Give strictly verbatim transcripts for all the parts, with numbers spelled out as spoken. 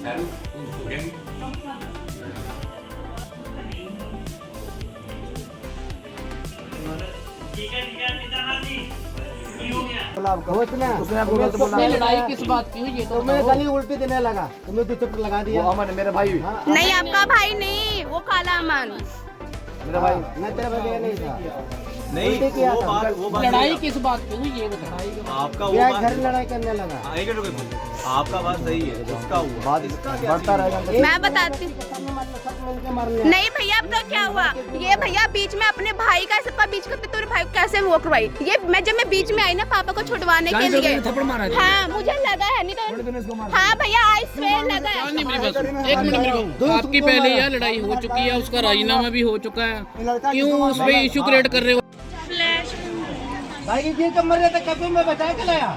लड़ाई किस बात की हुई है? तो मैं गली उल्टी देने लगा, तुम्हें तो चप्पल लगा दिया। वो अमन मेरा भाई। नहीं आपका भाई नहीं, वो काला अमन मेरा भाई। मैं तेरा भाई नहीं था। नहीं किया वो था। बात वो बात लड़ाई किस बात की हुई ये बताइए। आपका वो क्या बात घर लड़ाई करने लगा। हाँ, एक मिनट आपका बात सही है, इसका हुआ बात इसका बढ़ता रहेगा। मैं बताती नहीं भैया। अब तो क्या हुआ, ये भैया बीच में अपने भाई का सबका बीच का तेरे भाई को कैसे वो करवाई। ये मैं जब मैं बीच में आई ना पापा को छुड़वाने के लिए, हाँ मुझे लगा है, नहीं तो हाँ भैया आई स्वेयर लगा है। एक मिनट मेरे को, आपकी पहले यह लड़ाई हो चुकी है, उसका राजीनामा भी हो चुका है, क्यों उस पे इशू क्रिएट कर रहे हो? भाई की कब मर जाता कभी मैं बचा के लाया।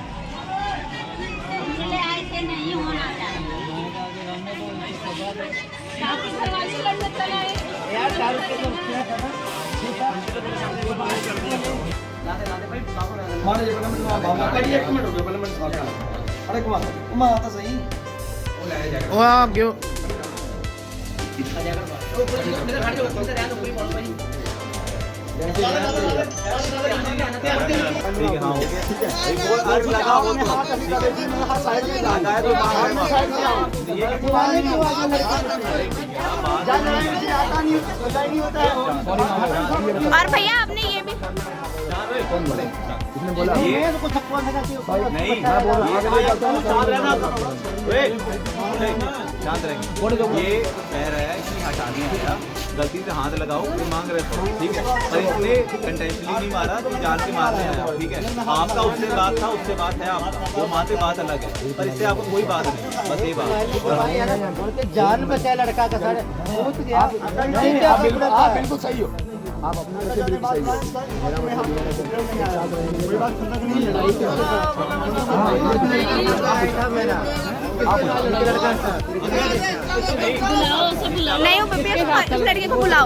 यार दारू के तो क्या था मारे जे पहले मैं बाबा का एक मिनट हो गया, पहले मैं साथ अरे कुमार कुमार आता सही वो ले जाएगा। ओ आप क्यों इसका जाकर मेरे घर जो से रहना कोई बोल भाई ठीक है। हाँ हो गया, ठीक है। एक बोल आग लगा हो तो हाथ अभी का बेटी मेरे हाथ साइड में लगाए तो बाहर में साइड में आओ। ये पुराने की आवाज लड़का जान रहा है मुझे आता नहीं पता नहीं होता है। और भैया आपने ये भी कौन बोले इसने बोला ये तो कुछ थप्पड़ लगा के नहीं मैं बोल रहा हूं शांत रहना। ओए शांत रहिए। ये कह रहा है कि हटाने आया, गलती से हाथ लगाओ, ये मांग रहे थे, ठीक है। पर इसने इंटेंशनली नहीं मारा, तो जान के मारने आया, ठीक है। आपका उससे बात था, उससे बात है आपका, वो वहाँ से बात अलग है, पर इससे आपको कोई बात नहीं, बस ये बात। जान बचा लड़का का सर कूद गया। आप बिल्कुल सही हो, आप अपना वैसे बिल्कुल सही हो। मेरा मतलब कोई बात नहीं। लड़ाई था मेरा आप लड़का था नहीं हो भैया, इस लड़के को बुलाओ।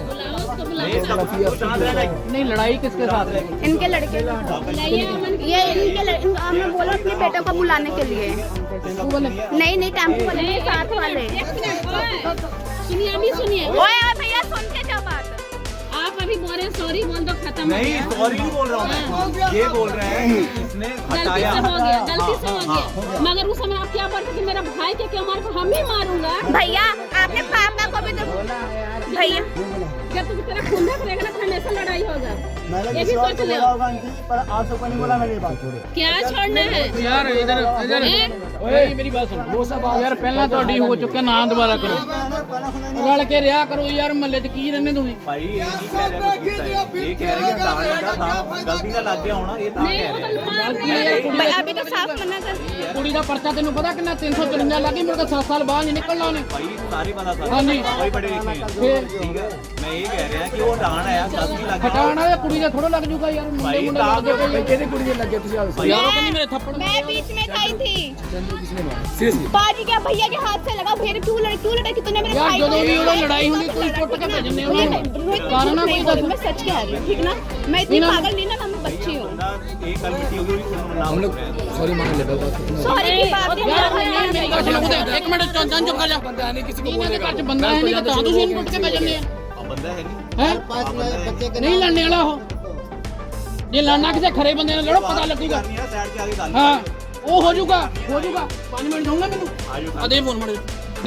नहीं लड़ाई किसके साथ है? इनके लड़के ये इनके लड़के मैं बोला अपने बेटे को बुलाने के लिए। नहीं नहीं टेम्पो वाले नहीं, साथ वाले। सुनिए अभी सुनिए, ओए ओए भैया सुन के क्या बात। आप अभी बोल रहे हैं सॉरी बोल दो खत्म हो नहीं गया। सॉरी नहीं बोल रहा हूँ मैं, ये बोल रहे हैं कि इसने गलती हटाया। से हो गया, गलती से हो गया। मगर उस समय आप क्या बोलते कि मेरा भाई के क्यों मार, हम ही मारूंगा। भैया आपने पापा को भी तो भैया जब तुम तेरा खून करेगा ना हमेशा लड़ाई होगा, ये भी सोच लो। पर आप सबको नहीं बोला मैंने बात छोड़ो। क्या छोड़ना है यार इधर इधर ओए मेरी बात सुन। वो सब यार पहला ਤੁਹਾਡੀ हो चुका, ना दोबारा करो, रल के रिया करो यार, महल्ले च की रहने तुम। भाई ये नहीं कह रहे कुछ किस्सा है, ये कह रहे हैं दाने का था, गलती का लग गया होना, ये था नहीं कह वो रहे तो मार रहे हैं। भाई अभी तो साफ मना कर। ਕੁੜੀ ਦਾ ਪਰਚਾ ਤੈਨੂੰ ਪਤਾ ਕਿੰਨਾ तीन सौ चौवन ਲੱਗੀ, ਮੇਰੇ ਕੋਲ सात साल बाहर नहीं निकलना ਉਹਨੇ। भाई सारी पता था, हाँ जी। कोई बड़े लिखे हैं, ठीक है। मैं ये कह रहा कि वो डांड आया, गलती लग गया। ਹਟਾਣਾ ਇਹ ਕੁੜੀ ਦਾ ਥੋੜਾ ਲੱਗ ਜੂਗਾ ਯਾਰ, ਮੁੰਡੇ भाई ਮੁੰਡੇ दाग ਲੱਗਦੇ ਪਏ पे किसी कुड़ी लग गया, तुझे यार ਉਹ ਕਹਿੰਦੀ ਮੇਰੇ ਥੱਪੜ मैं बीच में खाई थी। बाजी क्या भैया के हाथ से लगा, फिर क्यों लड़े क्यों लड़े कि तूने मेरे यार भाई ਜਦੋਂ को- ਵੀ ਉਹਦਾ ਲੜਾਈ ਹੁੰਦੀ ਕੋਈ ਟੁੱਟ ਕੇ ਭਜਨੇ नहीं, ਉਹਨੇ नहीं, रोहित, कारण ना नहीं कोई बोल, दस मैं सच कह रही हूँ, ठीक ना। मैं इतनी पागल नहीं ना, मैं बच्ची हूँ। बंदा एक कल मिट्टी होगी हम लोग सॉरी मान ले बाबा। सॉरी की बात नहीं यार है। नहीं मेरी ਗੱਲ ਸੁਣੋ ਇੱਕ ਮਿੰਟ ਚੰਦਨ ਚੁੱਪ ਕਰ ਜਾ। ਬੰਦਾ ਨਹੀਂ ਕਿਸੇ ਨੂੰ ਬੋਲੇਗਾ, ਘਰ ਚ ਬੰਦਾ ਹੈ ਨਹੀਂ ਤਾਂ ਤੁਸੀਂ ਇਹਨੂੰ ਟੁੱਟ ਕੇ ਭਜਨੇ ਆ बंदा है नहीं ਹੈ ਨਹੀਂ ਲੜਨੇ ਵਾਲਾ ਉਹ। ਜੇ ਲੜਨਾ ਕਿਸੇ ਖਰੇ ਬੰਦੇ ਨਾਲ ਲੜੋ, ਪਤਾ ਲੱਗੂਗਾ। करनी है साइड के आगे गाली ਹਾਂ ਉਹ ਹੋ ਜਾਊਗਾ ਹੋ ਜਾਊਗਾ। ਪੰਜ ਮਿੰਟ ਦਊਂਗਾ ਮੈਨੂੰ, ਆ ਦੇ ਫੋਨ ਮੜੇ।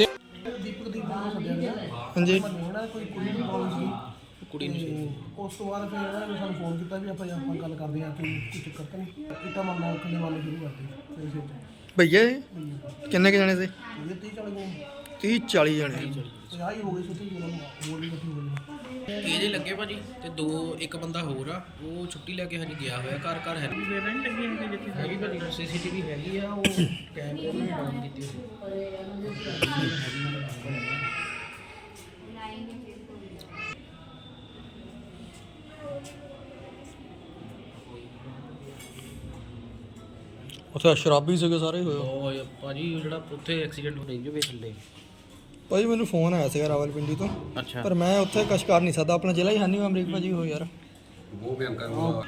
ਹਾਂਜੀ ਕੋਈ ਕੁੜੀ ਦੀ ਕਾਲ ਸੀ, ਕੁੜੀ ਨੂੰ ਉਸ ਤੋਂ ਬਾਅਦ ਫਿਰ ਇਹਨਾਂ ਨੇ ਸਾਨੂੰ ਫੋਨ ਕੀਤਾ ਵੀ ਆਪਾਂ ਆਪਾਂ ਗੱਲ ਕਰਦੇ ਹਾਂ ਕਿ ਕੋਈ ਚੱਕਰ ਤਾਂ ਨਹੀਂ। ਇੱਟਾਂ ਮਾਰਨਾ ਖੱਲੇ ਮਾਰਨਾ ਸ਼ੁਰੂ ਕਰਤੀ ਫਿਰ ਸਿਰ ਤੇ। ਭਈਆ ਕਿੰਨੇ ਕੇ ਜਾਣੇ ਸੀ? ਇਹ ਤੀਹ ਚਾਲੀ ਜਣੇ तीस चालीस जने ਪੰਜਾਹ ਹੀ ਹੋ ਗਏ ਸੁੱਤੀ ਜਿਹਨਾਂ ਨੂੰ ਹੋਰ ਵੀ ਇਕੱਠੀ ਹੋ ਗਈ। ਇਹਦੇ ਲੱਗੇ ਭਾਜੀ ਤੇ ਦੋ ਇੱਕ ਬੰਦਾ ਹੋਰ ਆ, ਉਹ ਛੁੱਟੀ ਲੈ ਕੇ ਹਜੇ ਗਿਆ ਹੋਇਆ, ਘਰ ਘਰ ਹੈ ਨਹੀਂ ਲੱਗੀ ਜਿੱਥੇ ਹੈਗੀ ਭਾਜੀ ਸੀਸੀਟੀਵੀ ਹੈਗੀ ਆ, ਉਹ ਕੈਮਰੇ ਨੂੰ ਡਾਊਨ ਕੀਤੀ ਹੋਈ। ਉੱਥੇ ਸ਼ਰਾਬੀ ਸੀਗੇ ਸਾਰੇ ਹੋਏ। ਉਹ ਭਾਜੀ ਉਹ ਜਿਹੜਾ ਉੱਥੇ ਐਕਸੀਡੈਂਟ ਹੋ ਰਹੀ ਜੋ ਵੇ ਥੱਲੇ। ਭਾਜੀ ਮੈਨੂੰ ਫੋਨ ਆਇਆ ਸੀਗਾ ਰਾਵਲਪਿੰਡੀ ਤੋਂ, ਅੱਛਾ ਪਰ ਮੈਂ ਉੱਥੇ ਕੁਛ ਕਰ ਨਹੀਂ ਸਕਦਾ, ਆਪਣਾ ਜ਼ਿਲ੍ਹਾ ਹੀ ਹਾਨੀ ਅਮਰੀਕ ਭਾਜੀ ਹੋ ਯਾਰ। वो भी हम करेंगे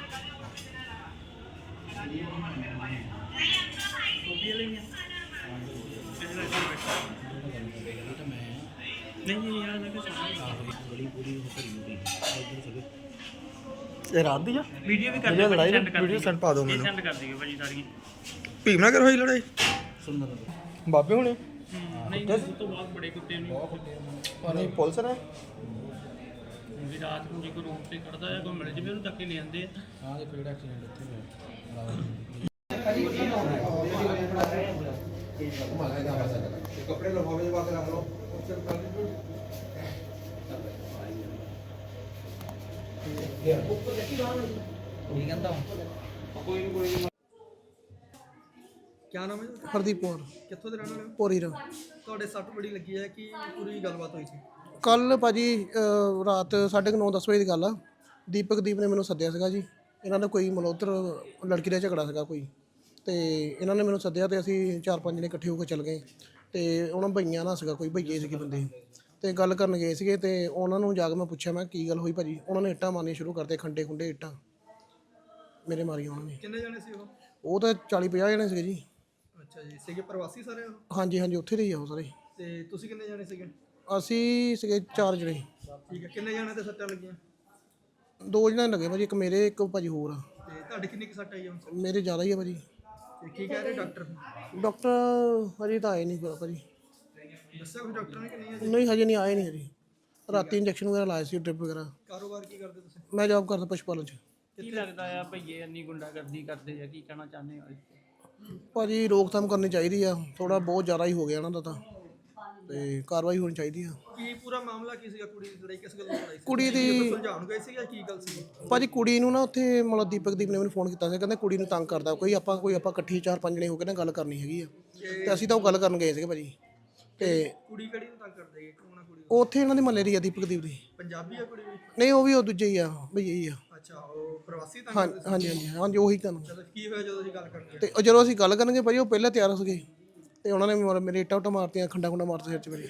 ਇਹ ਰਾਤ ਦੀ ਆ ਵੀਡੀਓ ਵੀ ਕਰ ਵੀਡੀਓ ਦਿਓ, ਲੜਾਈ send ਕਰ ਵੀਡੀਓ ਦਿਓ। ਸੈਂਡ ਪਾ ਦਿਓ ਮੈਨੂੰ ਸੈਂਡ ਕਰ ਦਿਓ ਭਾਜੀ ਸਾਰੀਆਂ। ਭੀਮਨਗਰ ਹੋਈ ਲੜਾਈ ਬਾਬੇ ਹੁਣੇ ਨਹੀਂ ਉਸ ਤੋਂ ਬਾਅਦ ਬੜੇ ਕੁੱਤੇ ਨਹੀਂ ਨਹੀਂ ਪੁਲਿਸ ਨੇ ਵੀ ਰਾਤ ਨੂੰ ਜੇ ਕੋਈ ਰੋਡ ਤੇ ਕੱਢਦਾ ਜਾਂ ਕੋਈ ਮਿਲ ਜਵੇ ਉਹਨੂੰ ਧੱਕੇ ਲੈ ਜਾਂਦੇ ਆ। ਹਾਂ ਦੇਖੋ ਜਿਹੜਾ ਐਕਸੀਡੈਂਟ ਇੱਥੇ ਹੋਇਆ कपड़े लिफाफे में रख लो क्या नाम है हरदीप कौर कितों ਦੇ ਰਹਿਣ ਵਾਲੇ ਪੋਰੀ ਰਾ ਤੁਹਾਡੇ ਸੱਟ ਬੜੀ ਲੱਗੀ ਹੈ ਕਿ ਪੂਰੀ ਗੱਲਬਾਤ ਹੋਈ ਸੀ ਕੱਲ ਭਾਜੀ ਅਹ, ਰਾਤ ਸਾਢੇ ਕੁ ਨੌ ਦਸ ਵਜੇ ਦੀ ਗੱਲ ਆ ਦੀਪਕ ਦੀਪ ਨੇ ਮੈਨੂੰ ਸੱਦਿਆ ਸੀਗਾ ਜੀ ਇਹਨਾਂ ਦਾ ਕੋਈ ਮਲੋਤਰ ਲੜਕੀ ਦਾ ਝਗੜਾ ਸੀਗਾ ਕੋਈ ਤੇ ਇਹਨਾਂ ਨੇ ਮੈਨੂੰ ਸੱਦਿਆ ਤੇ ਅਸੀਂ ਚਾਰ ਪੰਜ ਜਣੇ ਇਕੱਠੇ ਹੋ ਕੇ ਚੱਲ ਗਏ ਤੇ ਉਹਨਾਂ ਭਈਆਂ ਨਾਲ ਸੀਗਾ ਕੋਈ ਭਈਏ ਸੀਗੇ ਬੰਦੇ ਤੇ ਗੱਲ ਕਰਨ ਗਏ ਸੀਗੇ ਤੇ ਉਹਨਾਂ ਨੂੰ ਜਾ ਕੇ ਮੈਂ ਪੁੱਛਿਆ ਮੈਂ ਕੀ ਗੱਲ ਹੋਈ ਭਾਜੀ ਉਹਨਾਂ ਨੇ ਇੱਟਾਂ ਮਾਰਨੀਆਂ ਸ਼ੁਰੂ ਕਰਤੇ ਖੰਡੇ ਖੁੰਡੇ ਇੱਟਾਂ ਮੇਰੇ ਮਾਰੀਆਂ ਉਹਨਾਂ ਨੇ ਕਿੰਨੇ ਜਣੇ ਸੀ ਉਹ ਉਹ ਤਾਂ ਚਾਲੀ ਪੰਜਾਹ ਜਣੇ ਸੀਗੇ ਜੀ ਅੱਛਾ ਜੀ ਸੀਗੇ ਪ੍ਰਵਾਸੀ ਸਾਰੇ ਹਾਂਜੀ ਹਾਂਜੀ ਉੱਥੇ ਦੇ ਹੀ ਆ ਉਹ ਸਾਰੇ ਤੇ ਤੁਸੀਂ ਕਿੰਨੇ ਜਣੇ ਸੀਗੇ ਅਸੀਂ ਸੀਗੇ ਚਾਰ ਜਣੇ ਠੀਕ ਹੈ ਕਿੰਨੇ ਜਣੇ ਤੇ ਸੱਟਾਂ ਲੱਗੀਆਂ ਦੋ ਜਣੇ ਲੱਗੇ ਭਾਜੀ ਇੱਕ ਮੇਰੇ ਇੱਕ ਭਾਜੀ ਹੋਰ ਆ ਤੇ ਤੁਹਾਡੇ ਕਿੰਨੀ ਕੁ ਸੱਟ ਆਈ ਆ ਮੇਰੇ ਜ਼ਿਆਦਾ ਹੀ ਆ ਭਾਜੀ ਤੇ ਕੀ ਕਹਿ ਰਹੇ ਡਾਕਟਰ ਡਾਕਟਰ ਹਜੇ ਤਾਂ ਆਏ ਨਹੀਂ ਭਾਜੀ ਦੱਸਿਆ ਕੋਈ ਡਾਕਟਰ ਨੇ ਕਿ ਨਹੀਂ ਨਹੀਂ ਹਜੇ ਨਹੀਂ ਆਏ ਨਹੀਂ ਹਜੇ ਰਾਤੀ ਇੰਜੈਕਸ਼ਨ ਵਗੈਰਾ ਲਾਏ ਸੀ ਡ੍ਰਿਪ ਵਗੈਰਾ ਕਾਰੋਬਾਰ ਕੀ ਕਰਦੇ ਤੁਸੀਂ ਮੈਂ ਜੌਬ ਕਰਦਾ ਪਸ਼ੂ ਪਾਲਣ 'ਚ ਕੀ ਲੱਗਦਾ ਆ ਭਈਏ ਇੰਨੀ ਗੁੰਡਾਗਰਦੀ ਕਰਦੇ ਆ ਕੀ ਕਹਿਣਾ ਚਾਹੁੰਦੇ ਹੋ ਭਾਜੀ ਰੋਕਥਾਮ ਕਰਨੀ ਚਾਹੀਦੀ ਆ ਥੋੜਾ ਬਹੁਤ ਜ਼ਿਆਦਾ ਹੀ ਹੋ ਗਿਆ ਇਹਨਾਂ ਦਾ ਤਾਂ ਤੇ ਕਾਰਵਾਈ ਹੋਣੀ ਚਾਹੀਦੀ ਆ ਕੀ ਪੂਰਾ ਮਾਮਲਾ ਕੀ ਸੀਗਾ ਕੁੜੀ ਦੀ ਲੜਾਈ ਕਿਸ ਗੱਲ ਤੋਂ ਲੜਾਈ ਸੀ ਕੁੜੀ ਦੀ ਸੁਲਝਾਉਣ ਗਏ ਸੀ ਜਾਂ ਕੀ ਗੱਲ ਸੀ ਭਾਜੀ ਕੁੜੀ ਨੂੰ ਨਾ ਉੱਥੇ ਮਤਲਬ ਦੀਪਕ ਦੀਪ ਨੇ ਮੈਨੂੰ ਫੋਨ ਕੀਤਾ ਸੀ ਕਹਿੰਦਾ ਕੁੜੀ ਨੂੰ ਤੰਗ ਕਰਦਾ ਕੋਈ ਆਪਾਂ ਕੋਈ ਆਪਾਂ ਇਕੱਠੀ ਚਾਰ ਪੰਜ ਜਣੇ ਹੋ ਕੇ ਨਾ ਗੱਲ ਕਰਨੀ ਹੈਗੀ ਆ ਤੇ ਅਸੀਂ ਤਾਂ ਉਹ ਗੱਲ ਕਰਨ ਗਏ ਸੀਗੇ ਭਾਜੀ ਤੇ ਕੁੜੀ ਕਿਹੜੀ ਨੂੰ ਤੰਗ ਕਰਦੇ ਕੌਣ ਆ ਕੁੜੀ ਉੱਥੇ ਇਹਨਾਂ ਦੇ ਮਹੱਲੇ ਦੀ ਆ ਦੀਪਕ ਦੀਪ ਦੀ ਪੰਜਾਬੀ ਆ ਕੁੜੀ ਵੀ ਨਹੀਂ ਉਹ ਵੀ ਉਹ ਦੂਜੇ ਹੀ ਆ ਭਈਆ ਹੀ ਆ ਅੱਛਾ ਉਹ ਪ੍ਰਵਾਸੀ ਤੰਗ ਹਾਂ ਕਰਦੇ ਹਾਂਜੀ ਹਾਂਜੀ ਹਾਂਜੀ ਉਹੀ ਤੁਹਾਨੂੰ ਸੀ ਚਲੋ ਕੀ ਹੋਇਆ ਜਦੋਂ ਅਸੀਂ ਗੱਲ ਕਰਨ ਗਏ ਤੇ ਉਹ ਜਦੋਂ ਅਸੀਂ ਗੱਲ ਕਰਨਗੇ ਭਾਜੀ ਉਹ ਪਹਿਲਾਂ ਤਿਆਰ ਹੋ ਗਏ ਤੇ ਉਹਨਾਂ ਨੇ ਮੇਰੇ- ਮੇਰੇ ਇੱਟਾਂ ਉੱਟਾਂ ਮਾਰਤੀਆਂ ਖੰਡਾ ਖੁੰਡਾ ਮਾਰਤੇ ਸਿਰ 'ਚ ਮੇਰੇ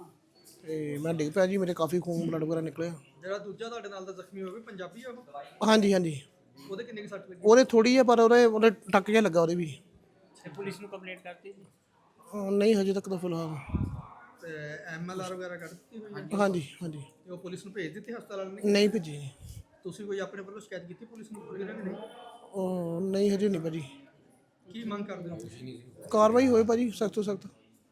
ਤੇ ਮੈਂ ਡਿੱਗ ਪਿਆ ਜੀ ਮੇਰੇ ਕਾਫੀ ਖੂਨ ਬਲੱਡ ਵਗੈਰਾ ਨਿਕਲਿਆ ਜਿਹੜਾ ਦੂਜਾ ਤੁਹਾਡੇ ਨਾਲ ਦਾ ਜ਼ਖਮੀ ਹੋਵੇ ਪੰਜਾਬੀ ਆ ਉਹ ਹਾਂਜੀ ਹਾਂਜੀ ਉਹਦੇ ਕਿੰਨੀ ਕੁ ਸੱਟ ਲੱਗੀ ਉਹਦੇ ਥੋੜੀ ਆ ਪਰ ਉਹਦੇ ਉਹਦੇ ਟੱਕ ਜਿਹਾ ਲੱਗਾ ਉਹਦੇ ਵੀ ਤੇ ਪੁਲਿਸ ਨੂੰ ਕੰਪਲੇਂਟ ਕਰਤੀ ਸੀ ਅਹ ਨਹੀਂ ਹਜੇ ਤੱਕ ਤਾਂ ਫਿਲਹਾਲ ਤੇ ਐਮ ਐਲ ਆਰ ਵਗੈਰਾ ਕੱਢ ਦਿੱਤੀ ਹੋਈ ਹੈ ਹਾਂਜੀ ਹਾਂਜੀ ਤੇ ਉਹ ਪੁਲਿਸ ਨੂੰ ਭੇਜ ਦਿੱਤੀ ਹਸਪਤਾਲ ਵਾਲਿਆਂ ਨੇ ਨਹੀਂ ਭੇਜੀ ਤੁਸੀਂ ਕੋਈ ਆਪਣੇ ਵੱਲੋਂ ਸ਼ਿਕਾਇਤ ਕੀਤੀ ਪੁਲਿਸ ਨੂੰ ਪੁਲਿਸ ਨੇ ਨਹੀਂ ਉਹ ਨਹੀਂ ਹਜੇ ਨਹੀਂ ਭਾਜੀ ਕੀ ਮੰਗ ਕਰਦੇ ਹੋ ਤੁਸੀਂ ਕਾਰਵਾਈ ਹੋਏ ਭਾਜੀ ਸਖਤ ਤੋਂ ਸਖਤ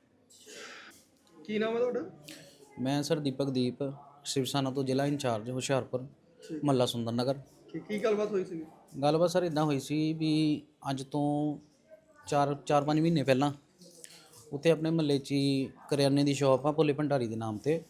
ਕੀ ਨਾਮ ਹੈ ਤੁਹਾਡਾ ਮੈਂ ਸਰ ਦੀਪਕ ਦੀਪ ਸ਼ਿਵ ਸੈਨਾ ਤੋਂ ਜ਼ਿਲ੍ਹਾ ਇੰਚਾਰਜ ਹੁਸ਼ਿਆਰਪੁਰ ਮਹੱਲਾ ਸੁੰਦਰ ਨਗਰ ਕੀ ਕੀ ਗੱਲਬਾਤ ਹੋਈ ਸੀ ਗੱਲਬਾਤ ਸਰ ਇਦਾਂ ਹੋਈ ਸੀ ਵੀ ਅੱਜ ਤੋਂ ਚਾਰ ਚਾਰ ਪੰਜ ਮਹੀਨੇ ਪਹਿਲਾਂ ਉੱਥੇ ਆਪਣੇ ਮਹੱਲੇ 'ਚ ਹੀ ਕਰਿਆਨੇ ਦੀ ਸ਼ਾਪ ਆ ਭੋਲੇ ਭੰਡਾਰੀ ਦੇ ਨਾਮ ਤੇ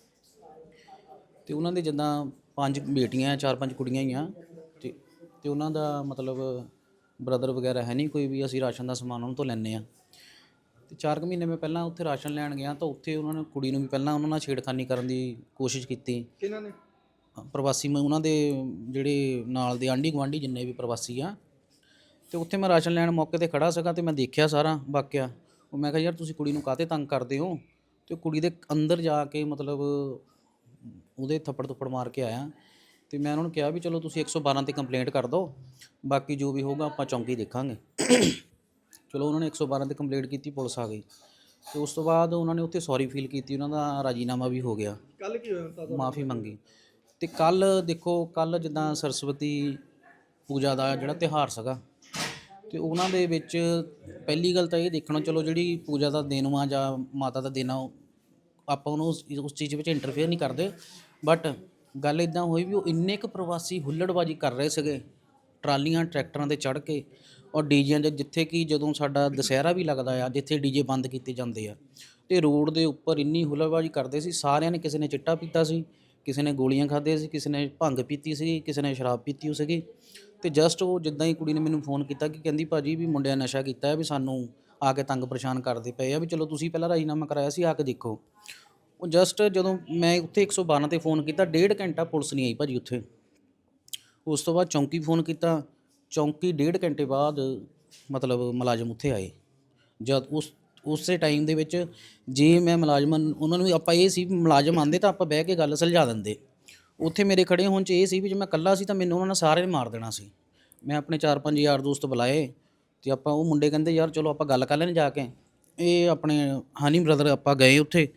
ਤੇ ਉਹਨਾਂ ਦੇ ਜਿੱਦਾਂ ਪੰਜ ਬੇਟੀਆਂ ਚਾਰ ਪੰਜ ਕੁੜੀਆਂ ਹੀ ਆ ਤੇ ਤੇ ਉਹਨਾਂ ਦਾ ਮਤਲਬ ਬ੍ਰਦਰ ਵਗੈਰਾ ਹੈ ਨਹੀਂ ਕੋਈ ਵੀ ਅਸੀਂ ਰਾਸ਼ਨ ਦਾ ਸਮਾਨ ਉਹਨਾਂ ਤੋਂ ਲੈਂਦੇ ਆ ਤੇ ਚਾਰ ਕੁ ਮਹੀਨੇ ਮੈਂ ਪਹਿਲਾਂ ਉੱਥੇ ਰਾਸ਼ਨ ਲੈਣ ਗਿਆ ਤਾਂ ਉੱਥੇ ਉਹਨਾਂ ਨੇ ਕੁੜੀ ਨੂੰ ਵੀ ਪਹਿਲਾਂ ਉਹਨਾਂ ਨਾਲ ਛੇੜਖਾਨੀ ਕਰਨ ਦੀ ਕੋਸ਼ਿਸ਼ ਕੀਤੀ ਕਿਹਨਾਂ ਨੇ ਪ੍ਰਵਾਸੀ ਮੈਂ ਉਹਨਾਂ ਦੇ ਜਿਹੜੇ ਨਾਲ ਦੇ ਆਂਢੀ ਗੁਆਂਢੀ ਜਿੰਨੇ ਵੀ ਪ੍ਰਵਾਸੀ ਆ ਤੇ ਉੱਥੇ ਮੈਂ ਰਾਸ਼ਨ ਲੈਣ ਮੌਕੇ ਤੇ ਖੜਾ ਸੀਗਾ ਤੇ ਮੈਂ ਦੇਖਿਆ ਸਾਰਾ ਵਾਕਿਆ ਉਹ ਮੈਂ ਕਿਹਾ ਯਾਰ ਤੁਸੀਂ ਕੁੜੀ ਨੂੰ ਕਾਹਤੇ ਤੰਗ ਕਰਦੇ ਹੋ ਤੇ ਕੁੜੀ ਦੇ ਅੰਦਰ ਜਾ ਕੇ ਮਤਲਬ ਉਹਦੇ ਥੱਪੜ ਥੁੱਪੜ ਮਾਰ ਕੇ ਆਇਆ ਤੇ ਮੈਂ ਉਹਨਾਂ ਨੂੰ ਕਿਹਾ ਵੀ ਚਲੋ ਤੁਸੀਂ ਇੱਕ ਸੌ ਬਾਰਾਂ ਤੇ ਕੰਪਲੇਂਟ ਕਰ ਦਿਓ ਬਾਕੀ ਜੋ ਵੀ ਹੋਊਗਾ ਆਪਾਂ ਚੌਂਕੀ ਦੇਖਾਂਗੇ ਚਲੋ ਉਹਨਾਂ ਨੇ ਇੱਕ ਸੌ ਬਾਰਾਂ ਤੇ ਕੰਪਲੇਂਟ ਕੀਤੀ ਪੁਲਿਸ ਆ ਗਈ ਤੇ ਉਸ ਤੋਂ ਬਾਅਦ ਉਹਨਾਂ ਨੇ ਉੱਥੇ ਸੌਰੀ ਫੀਲ ਕੀਤੀ ਉਹਨਾਂ ਦਾ ਰਾਜੀਨਾਮਾ ਵੀ ਹੋ ਗਿਆ ਕੱਲ ਕੀ ਹੋਇਆ ਤਾਂ ਮਾਫੀ ਮੰਗੀ ਤੇ ਕੱਲ ਦੇਖੋ ਕੱਲ ਜਿੱਦਾਂ ਸਰਸਵਤੀ ਪੂਜਾ ਦਾ ਜਿਹੜਾ ਤਿਉਹਾਰ ਸੀਗਾ ਤੇ ਉਹਨਾਂ ਦੇ ਵਿੱਚ ਪਹਿਲੀ ਗੱਲ ਤਾਂ ਇਹ ਦੇਖਣਾ ਚਲੋ ਜਿਹੜੀ ਪੂਜਾ ਦਾ ਦਿਨ ਵਾ ਜਾਂ ਮਾਤਾ ਦਾ ਦਿਨ ਆ ਆਪਾਂ ਉਹਨੂੰ ਉਸ ਉਸ ਚੀਜ਼ ਵਿੱਚ ਇੰਟਰਫੇਅਰ ਨਹੀਂ ਕਰਦੇ ਬਟ ਗੱਲ ਇਦਾਂ ਹੋਈ ਵੀ ਉਹ ਇੰਨੇ ਕੁ ਪ੍ਰਵਾਸੀ ਹੁੱਲੜਬਾਜੀ ਕਰ ਰਹੇ ਸੀਗੇ ਟਰਾਲੀਆਂ ਟਰੈਕਟਰਾਂ 'ਤੇ ਚੜ੍ਹ ਕੇ ਔਰ ਡੀਜਿਆਂ ਦੇ ਜਿੱਥੇ ਕਿ ਜਦੋਂ ਸਾਡਾ ਦੁਸਹਿਰਾ ਵੀ ਲੱਗਦਾ ਆ ਜਿੱਥੇ ਡੀਜੇ ਬੰਦ ਕੀਤੇ ਜਾਂਦੇ ਆ ਤੇ ਰੋਡ ਦੇ ਉੱਪਰ ਇੰਨੀ ਹੁੱਲੜਬਾਜੀ ਕਰਦੇ ਸੀ ਸਾਰਿਆਂ ਨੇ ਕਿਸੇ ਨੇ ਚਿੱਟਾ ਪੀਤਾ ਸੀ ਕਿਸੇ ਨੇ ਗੋਲੀਆਂ ਖਾਧੇ ਸੀ ਕਿਸੇ ਨੇ ਭੰਗ ਪੀਤੀ ਸੀ ਕਿਸੇ ਨੇ ਸ਼ਰਾਬ ਪੀਤੀ ਹੋ ਸੀਗੀ ਤੇ ਜਸਟ ਉਹ ਜਿੱਦਾਂ ਹੀ ਕੁੜੀ ਨੇ ਮੈਨੂੰ ਫੋਨ ਕੀਤਾ ਕਿ ਕਹਿੰਦੀ ਭਾਜੀ ਵੀ ਮੁੰਡਿਆਂ ਨਸ਼ਾ ਕੀਤਾ ਹੈ ਵੀ ਸਾਨੂੰ ਆ ਕੇ ਤੰਗ ਪਰੇਸ਼ਾਨ ਕਰਦੇ ਪਏ ਆ ਵੀ ਚਲੋ ਤੁਸੀਂ ਪਹਿਲਾਂ ਰਾਜੀਨਾਮਾ ਕਰਾਇਆ ਸੀ ਆ ਕੇ ਦੇਖੋ ਉਹ ਜਸਟ ਜਦੋਂ ਮੈਂ ਉੱਥੇ ਇੱਕ ਸੌ ਬਾਰਾਂ ਤੇ ਫੋਨ ਕੀਤਾ ਡੇਢ ਘੰਟਾ ਪੁਲਿਸ ਨਹੀਂ ਆਈ ਭਾਜੀ ਉੱਥੇ ਉਸ ਤੋਂ ਬਾਅਦ ਚੌਂਕੀ ਫੋਨ ਕੀਤਾ ਚੌਂਕੀ ਡੇਢ ਘੰਟੇ ਬਾਅਦ ਮਤਲਬ ਮੁਲਾਜ਼ਮ ਉੱਥੇ ਆਏ ਜਦ ਉਸ ਉਸੇ ਟਾਈਮ ਦੇ ਵਿੱਚ ਜੇ ਮੈਂ ਮੁਲਾਜ਼ਮ ਉਹਨਾਂ ਨੂੰ ਆਪਾਂ ਇਹ ਸੀ ਮੁਲਾਜ਼ਮ ਆਉਂਦੇ ਤਾਂ ਆਪਾਂ ਬਹਿ ਕੇ ਗੱਲ ਸੁਲਝਾ ਦਿੰਦੇ ਉੱਥੇ ਮੇਰੇ ਖੜੇ ਹੋਣ 'ਚ ਇਹ ਸੀ ਵੀ ਜੇ ਮੈਂ ਇਕੱਲਾ ਸੀ ਤਾਂ ਮੈਨੂੰ ਉਹਨਾਂ ਨੇ ਸਾਰੇ ਨੇ ਮਾਰ ਦੇਣਾ ਸੀ ਮੈਂ ਆਪਣੇ ਚਾਰ ਪੰਜ ਯਾਰ ਦੋਸਤ ਬੁਲਾਏ ਤੇ ਆਪਾਂ ਉਹ ਮੁੰਡੇ ਕਹਿੰਦੇ ਯਾਰ ਚਲੋ ਆਪਾਂ ਗੱਲ ਕਰ ਲੈਣ ਜਾ ਕੇ ਇਹ ਆਪਣੇ ਹਨੀ ਬ੍ਰਦਰ ਆਪਾਂ ਗਏ ਉੱਥੇ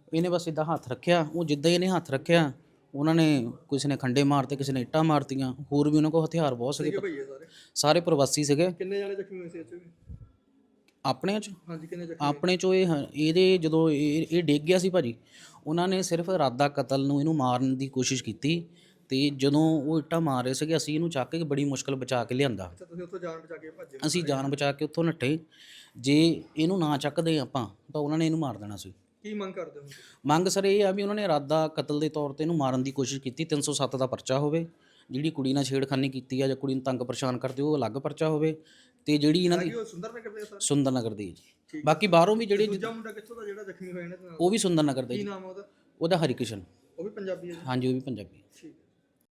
ਇਹਨੇ ਬਸ ਇਦਾਂ ਹੱਥ ਰੱਖਿਆ, ਉਹ ਜਿੱਦਾਂ ਹੀ ਇਹਨੇ ਹੱਥ ਰੱਖਿਆ ਉਹਨਾਂ ਨੇ ਕਿਸੇ ਨੇ ਖੰਡੇ ਮਾਰਤੇ, ਕਿਸੇ ਨੇ ਇੱਟਾਂ ਮਾਰਤੀਆਂ, ਹੋਰ ਵੀ ਉਹਨਾਂ ਕੋਲ ਹਥਿਆਰ ਬਹੁਤ ਸੀਗੇ, ਭਈਏ ਸਾਰੇ ਸਾਰੇ ਪ੍ਰਵਾਸੀ ਸੀਗੇ। ਕਿੰਨੇ ਜਾਣੇ ਜ਼ਖਮੀ ਹੋਏ ਸੀ ਇੱਥੇ? ਆਪਣੇ ਚ ਹਾਂਜੀ ਕਿੰਨੇ ਜ਼ਖਮੀ? ਆਪਣੇ ਚੋਂ ਇਹ ਹ- ਇਹਦੇ ਜਦੋਂ ਇਹ ਇਹ ਡਿੱਗ ਗਿਆ ਸੀ ਭਾਜੀ, ਉਹਨਾਂ ਨੇ ਸਿਰਫ ਇਰਾਦਾ ਕਤਲ ਨੂੰ ਇਹਨੂੰ ਮਾਰਨ ਦੀ ਕੋਸ਼ਿਸ਼ ਕੀਤੀ, ਤੇ ਜਦੋਂ ਉਹ ਇੱਟਾਂ ਮਾਰ ਰਹੇ ਸੀਗੇ ਅਸੀਂ ਇਹਨੂੰ ਚੱਕ ਕੇ ਬੜੀ ਮੁਸ਼ਕਲ ਬਚਾ ਕੇ ਲਿਆਂਦਾ। ਅੱਛਾ ਤੁਸੀਂ ਉੱਥੋਂ ਜਾਨ ਬਚਾ ਕੇ ਭੱਜੇ? ਅਸੀਂ ਜਾਨ ਬਚਾ ਕੇ ਉੱਥੋਂ ਨੱਠੇ। ਜੇ ਇਹਨੂੰ ਨਾ ਚੱਕਦੇ ਆਪਾਂ ਤਾਂ ਉਹਨਾਂ ਨੇ ਇਹਨੂੰ ਮਾਰ ਦੇਣਾ ਸੀ। ਕੀ ਮੰਗ ਕਰਦੇ ਹੋ? ਮੰਗ ਸਰ ਇਹ ਆ ਵੀ ਉਹਨਾਂ ਨੇ ਇਰਾਦਾ ਕਤਲ ਦੇ ਤੌਰ ਤੇ ਇਹਨੂੰ ਮਾਰਨ ਦੀ ਕੋਸ਼ਿਸ਼ ਕੀਤੀ, ਤਿੰਨ ਸੌ ਸੱਤ ਦਾ ਪਰਚਾ ਹੋਵੇ, ਜਿਹੜੀ ਕੁੜੀ ਨਾਲ ਛੇੜਖਾਨੀ ਕੀਤੀ ਆ ਜਾਂ ਕੁੜੀ ਨੂੰ ਤੰਗ ਪਰੇਸ਼ਾਨ ਕਰਦੇ ਉਹ ਅਲੱਗ ਪਰਚਾ ਹੋਵੇ, ਤੇ ਜਿਹੜੀ ਇਹਨਾਂ ਦੀ ਉਹ ਸੁੰਦਰ ਨਗਰ ਦੇ ਸਰ? ਸੁੰਦਰ ਨਗਰ ਦੀ ਜੀ। ਬਾਕੀ ਬਾਹਰੋਂ ਵੀ ਜਿਹੜੇ ਦੂਜਾ ਮੁੰਡਾ ਕਿੱਥੋਂ ਦਾ ਜਿਹੜਾ ਜ਼ਖਮੀ ਹੋਇਆ ਇਹਨਾਂ ਦੇ ਨਾਲ? ਉਹ ਵੀ ਸੁੰਦਰ ਨਗਰ ਦਾ ਕੀ ਜੀ। ਨਾਮ ਆ ਉਹਦਾ? ਉਹਦਾ ਹਰੀਕ੍ਰਿਸ਼ਨ। ਉਹ ਵੀ ਪੰਜਾਬੀ ਹੈ ਜੀ? ਹਾਂਜੀ ਉਹ ਵੀ ਪੰਜਾਬੀ। ਠੀਕ।